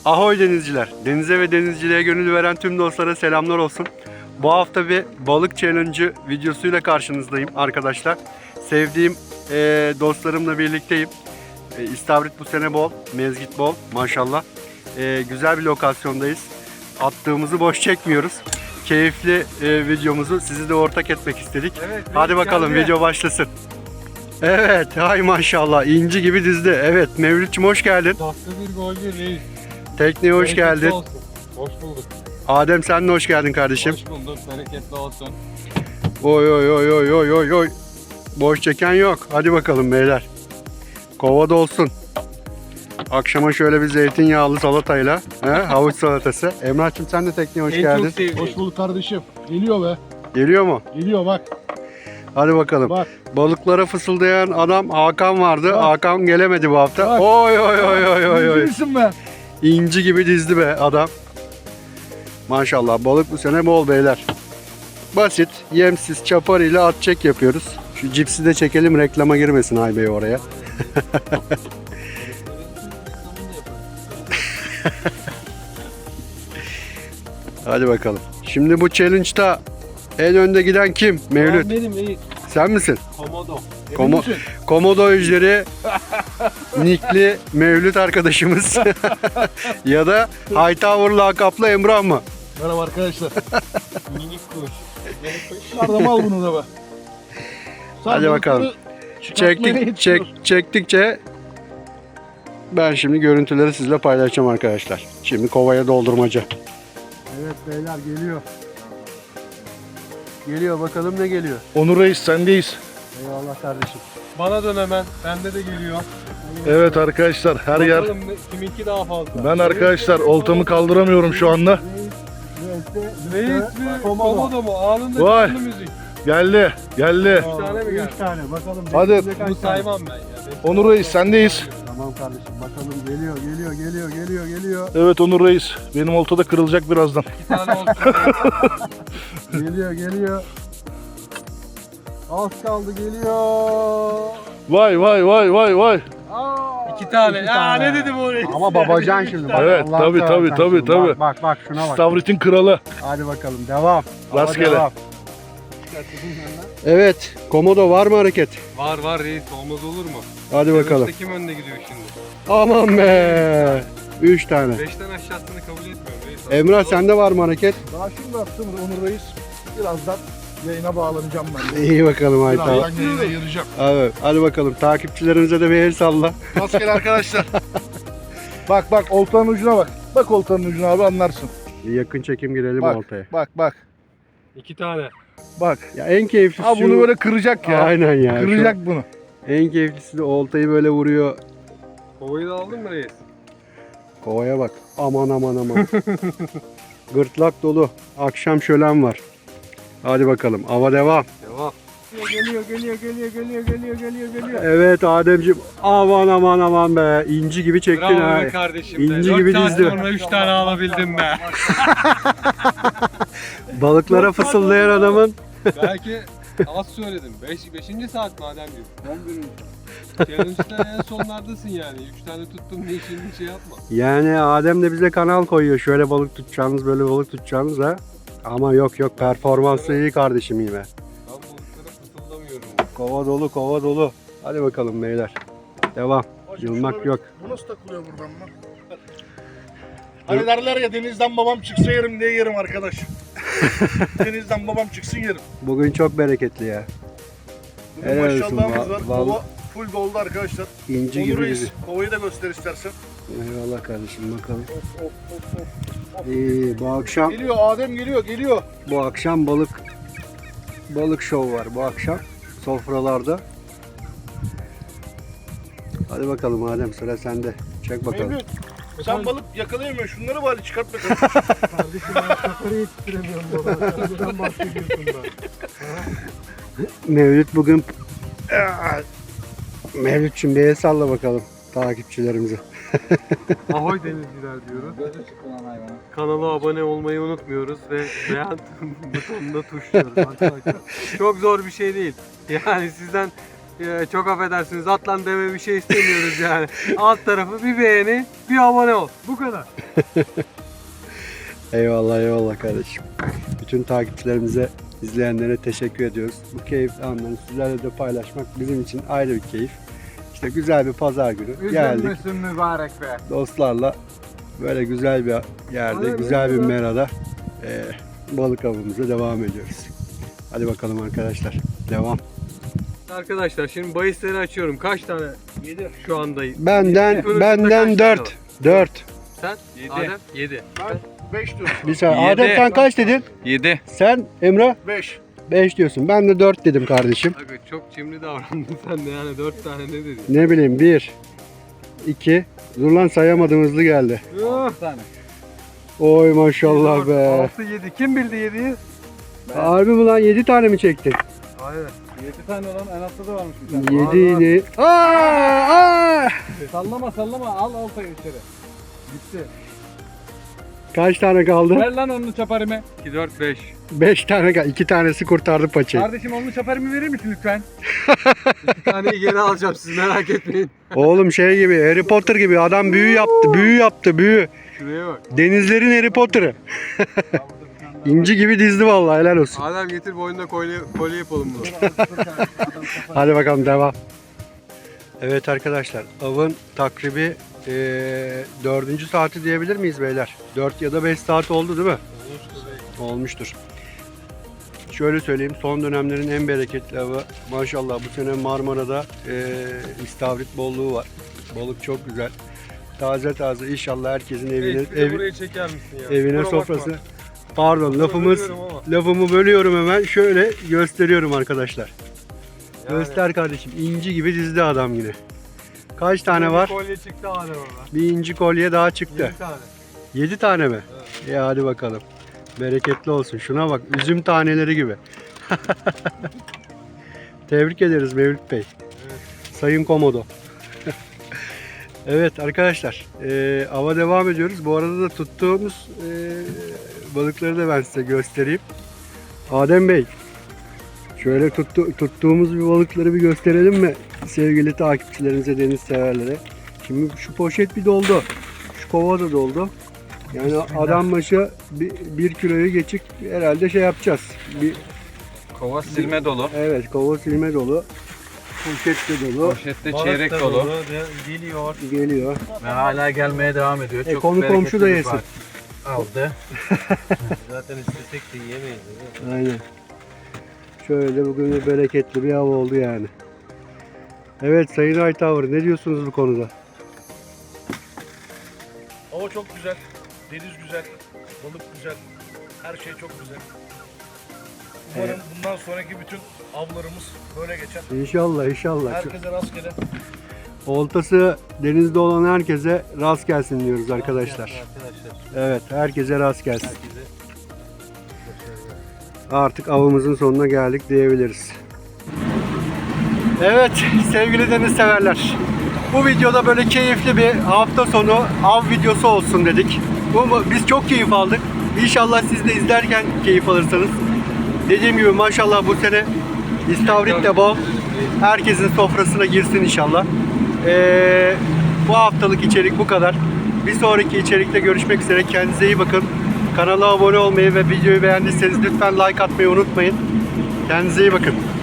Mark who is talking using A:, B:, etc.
A: Ahoy denizciler. Denize ve denizciliğe gönül veren tüm dostlara selamlar olsun. Bu hafta bir balık challenge videosuyla karşınızdayım arkadaşlar. Sevdiğim dostlarımla birlikteyim. İstavrit bu sene bol, mezgit bol maşallah. Güzel bir lokasyondayız. Attığımızı boş çekmiyoruz. Keyifli videomuzu sizi de ortak etmek istedik. Evet, hadi bakalım video başlasın. Evet, hay maşallah inci gibi dizdi. Evet, Mevlütçüm hoş geldin.
B: Dakika bir golcü reis.
A: Tekneye hoş geldin.
B: Olsun. Hoş bulduk.
A: Adem sen de hoş geldin kardeşim.
B: Hoş bulduk. Bereketli olsun.
A: Oy oy oy oy oy oy oy. Boş çeken yok. Hadi bakalım beyler. Kovada olsun. Akşama şöyle bir zeytinyağlı salatayla, havuç salatası. Emrah'cığım sen de tekneye hoş geldin.
C: Hoş bulduk kardeşim. Geliyor be.
A: Geliyor mu?
C: Geliyor bak.
A: Hadi bakalım.
C: Bak.
A: Balıklara fısıldayan adam Hakan vardı.
C: Bak.
A: Hakan gelemedi bu hafta.
C: Bak.
A: Oy oy oy oy oy oy.
C: Bilirsin be.
A: İnci gibi dizdi be adam. Maşallah balık bu sene bol beyler. Basit, yemsiz, çapar ile at çek yapıyoruz. Şu cipsi de çekelim reklama girmesin Aybey oraya. Hadi bakalım. Şimdi bu challenge'da en önde giden kim? Mevlüt.
B: Benim reis.
A: Sen misin?
B: Komodo.
A: Komodo ejderi Nikli Mevlüt arkadaşımız. Ya da Hightower lakaplı Emrah mı?
C: Merhaba arkadaşlar.
B: Minik kuş.
C: Nereden al bunu da be.
A: Hadi bakalım. Çektikçe ben şimdi görüntüleri sizle paylaşacağım arkadaşlar. Şimdi kovaya doldurmaca. Evet beyler geliyor. Geliyor bakalım ne geliyor.
C: Onur Reis sendeyiz.
A: Eyvallah kardeşim.
B: Bana dön hemen. Bende de geliyor.
C: Evet arkadaşlar her yer.
B: Bakalım kiminki daha fazla.
C: Ben arkadaşlar oltamı kaldıramıyorum şu anda.
B: Reis mi? Komodo mu? Anında
C: Vay.
B: canlı müzik.
C: Geldi.
B: 3 tane mi geldi?
A: 3 tane bakalım.
C: Hadi.
A: bekleyecek kaç
B: Bunu
A: tane?
B: saymam ben ya.
C: Onur Reis sendeyiz.
A: Tamam kardeşim bakalım geliyor.
C: Evet Onur Reis. Benim oltada kırılacak birazdan.
B: 2 tane olsun.
A: Geliyor. Az kaldı geliyor.
C: Vay.
B: 2 tane. Aa ne dedim oraya?
A: Ama babacan şimdi. Bak,
C: Evet,
A: Allah'ını
C: tabii,
A: seversen
C: tabii.
A: şimdi. Bak şuna bak.
C: Stavrit'in kralı.
A: Hadi bakalım devam. Hava
C: Rastgele.
A: devam. Evet, Komodo var mı hareket?
B: Var reis. Olmaz olur mu?
A: Hadi bakalım.
B: Kim önde gidiyor şimdi?
A: Aman be. 3 tane.
B: 5'ten aşağısını kabul etmiyorum reis.
A: Emrah sende var mı hareket?
C: Daha şimdi attım Onur Reis. Birazdan yayına bağlanacağım ben de.
A: İyi bakalım Ayta.
C: Birazdan yayına gireceğim.
A: Evet, hadi bakalım takipçilerimize de bir el salla.
C: Rastgele arkadaşlar. bak oltanın ucuna bak. Bak oltanın ucuna abi anlarsın.
A: Bir yakın çekim girelim
C: Bak.
A: ortaya.
C: Bak.
B: 2 tane.
C: Bak.
A: Ya en keyiflisi
C: Abi bunu böyle kıracak ya.
A: Aynen ya.
C: Kıracak bunu.
A: En keyiflisi de oltayı böyle vuruyor.
B: Kovayı da aldın mı reis?
A: Kovaya bak. Aman. Gırtlak dolu. Akşam şölen var. Hadi bakalım. Ava devam.
B: Devam.
A: Geliyor. Evet Ademciğim. Aman be. İnci gibi çektin
B: Bravo
A: ha.
B: be kardeşim.
A: İnci
B: 4
A: gibi
B: saat
A: dizdi.
B: sonra 3 tane alabildim be.
A: Balıklara fısıldayan adamın.
B: Belki az söyledim. 5. saat mademciğim. 11. saat. Challenge'da en sonlardasın yani. 3 tane tuttum diye şimdi şey yapma.
A: Yani Adem de bize kanal koyuyor. Şöyle balık tutacağınız, böyle balık tutacağınız ha. Ama yok performansı iyi kardeşim iyi be.
B: Ben balıklara fısıldamıyorum.
A: Kova dolu. Hadi bakalım beyler. Devam. Yılmak yok.
C: Bu nasıl takılıyor buradan lan? Hani derler ya denizden babam çıksa yerim diye yerim arkadaş. Denizden babam çıksın yerim.
A: Bugün çok bereketli ya.
C: Bugün
A: Helal olsun,
C: maşallahımız var.
A: val-
C: Kova full doldu arkadaşlar.
A: İnci
C: Onur
A: gibi
C: Reis
A: dizi.
C: kovayı da göster istersen.
A: Eyvallah kardeşim bakalım.
C: Of.
A: İyi bu akşam
C: Geliyor Adem geliyor.
A: balık şov var bu akşam sofralarda. Hadi bakalım Adem sıra sende. Çek bakalım.
C: Mevlüt sen balık yakalayamıyorsun. Şunları bari çıkart bakalım.
A: Kardeşim ben sakarı yetiştiremiyorum baba. Sen bahsediyorsun ben. Mevlüt bugün Mevlütçüm bir el salla bakalım takipçilerimize.
B: Ahoy denizciler diyoruz. Kanala abone olmayı unutmuyoruz ve beğen butonuna tuşluyoruz arkadaşlar. Çok zor bir şey değil. Yani sizden Çok affedersiniz atlan deme bir şey istemiyoruz yani. Alt tarafı bir beğeni, bir abone ol. Bu kadar.
A: Eyvallah eyvallah kardeşim. Bütün takipçilerimize, izleyenlere teşekkür ediyoruz. Bu keyifli anları sizlerle de paylaşmak bizim için ayrı bir keyif. İşte güzel bir pazar günü geldik.
B: Üzülmesin mübarek be.
A: Dostlarla böyle güzel bir yerde,
B: Aynen,
A: güzel bir
B: evet.
A: merada balık avımıza devam ediyoruz. Hadi bakalım arkadaşlar. Devam.
B: Arkadaşlar şimdi bahisleri açıyorum. Kaç tane
C: 7.
B: şu anda?
A: Benden
B: Telefonun
A: benden
B: kaç tane
A: 4.
B: var?
A: 4.
B: Sen?
D: Yedi.
B: Adem? 7.
C: Ben 5 diyorum.
A: Bir saniye.
D: Yedi.
A: Adem sen kaç dedin?
D: 7.
A: Sen Emre
C: 5.
A: 5 diyorsun. Ben de 4 dedim kardeşim.
B: Abi çok cimri davrandın sen de yani 4 tane ne dedin?
A: Ne bileyim 1 2 Dur lan sayamadım, hızlı geldi.
D: tane.
A: Oy maşallah be.
B: 6 7. Kim bildi 7'yi?
A: Harbi mi lan, 7 tane mi çektin?
B: Aynen.
D: 7 tane olan en altta da varmış bir tane.
A: 7 idi. Aa!
D: Sallama al oltayı içeri. Gitti.
A: Kaç tane kaldı?
D: Ver lan onu çaparımı.
B: 2 4 5.
A: 5 tane kaldı. 2 tanesi kurtardı paçayı.
D: Kardeşim onu çaparımı verir misin lütfen?
B: Bir taneyi geri alacağım siz merak etmeyin.
A: Oğlum şey gibi, Harry Potter gibi adam büyü yaptı, büyü yaptı, büyü.
B: Şuraya bak.
A: Denizlerin Harry Potter'ı. İnci gibi dizdi vallahi, helal olsun.
B: Adem getir boynuna kolye yapalım bunu.
A: Hadi bakalım devam. Evet arkadaşlar, avın takribi 4. saati diyebilir miyiz beyler? 4 ya da 5 saat oldu değil mi? Olmuştur. Şöyle söyleyeyim, son dönemlerin en bereketli avı maşallah bu sene Marmara'da istavrit bolluğu var. Balık çok güzel. Taze taze, inşallah herkesin evine
B: buraya çeker misin ya?
A: evine
B: Kusura
A: sofrası.
B: bakma.
A: Pardon,
B: bölüyorum ama.
A: lafımı bölüyorum hemen. Şöyle gösteriyorum arkadaşlar.
B: Yani.
A: Göster kardeşim. İnci gibi dizdi adam yine. Kaç tane var?
B: Bir kolye çıktı Adem orada.
A: Bir inci kolye daha çıktı.
B: 7 tane.
A: 7 tane mi? Ya hadi bakalım. Bereketli olsun. Şuna bak. Üzüm taneleri gibi. Tebrik ederiz Mevlüt Bey. Sayın Komodo. Evet arkadaşlar. Ava devam ediyoruz. Bu arada da tuttuğumuz balıkları da ben size göstereyim. Adem Bey. Şöyle tuttuğumuz bir balıkları bir gösterelim mi sevgili takipçilerimize, deniz severlere. Şimdi şu poşet bir doldu. Şu kova da doldu. Yani adam başı bir kiloyu geçik herhalde şey yapacağız.
D: Kova silme dolu.
A: Evet, kova silme dolu. Poşet de dolu.
D: Poşette çeyrek dolu.
B: Geliyor.
A: Geliyor.
D: Ve hala gelmeye devam ediyor. Çok
A: Konu
D: bereketli
A: komşu da
D: bir
A: yesin.
D: saat. Aldı.
B: Zaten istesek de yiyemeyiz.
A: Aynen. Şöyle bugün bir bereketli bir hava oldu yani. Evet Sayın Aytavur, ne diyorsunuz bu konuda?
C: Hava çok güzel. Deniz güzel. Balık güzel. Her şey çok güzel. Umarım bundan sonraki bütün avlarımız böyle geçer.
A: İnşallah inşallah.
C: Herkese rastgele.
A: Oltası denizde olan herkese rast gelsin diyoruz arkadaşlar. Evet, herkese rast gelsin. Artık avımızın sonuna geldik diyebiliriz. Evet sevgili deniz severler. Bu videoda böyle keyifli bir hafta sonu av videosu olsun dedik. Biz çok keyif aldık. İnşallah siz de izlerken keyif alırsınız. Dediğim gibi maşallah bu sene istavrit de bol. Herkesin sofrasına girsin inşallah. Bu haftalık içerik bu kadar. Bir sonraki içerikte görüşmek üzere. Kendinize iyi bakın. Kanala abone olmayı ve videoyu beğendiyseniz lütfen like atmayı unutmayın. Kendinize iyi bakın.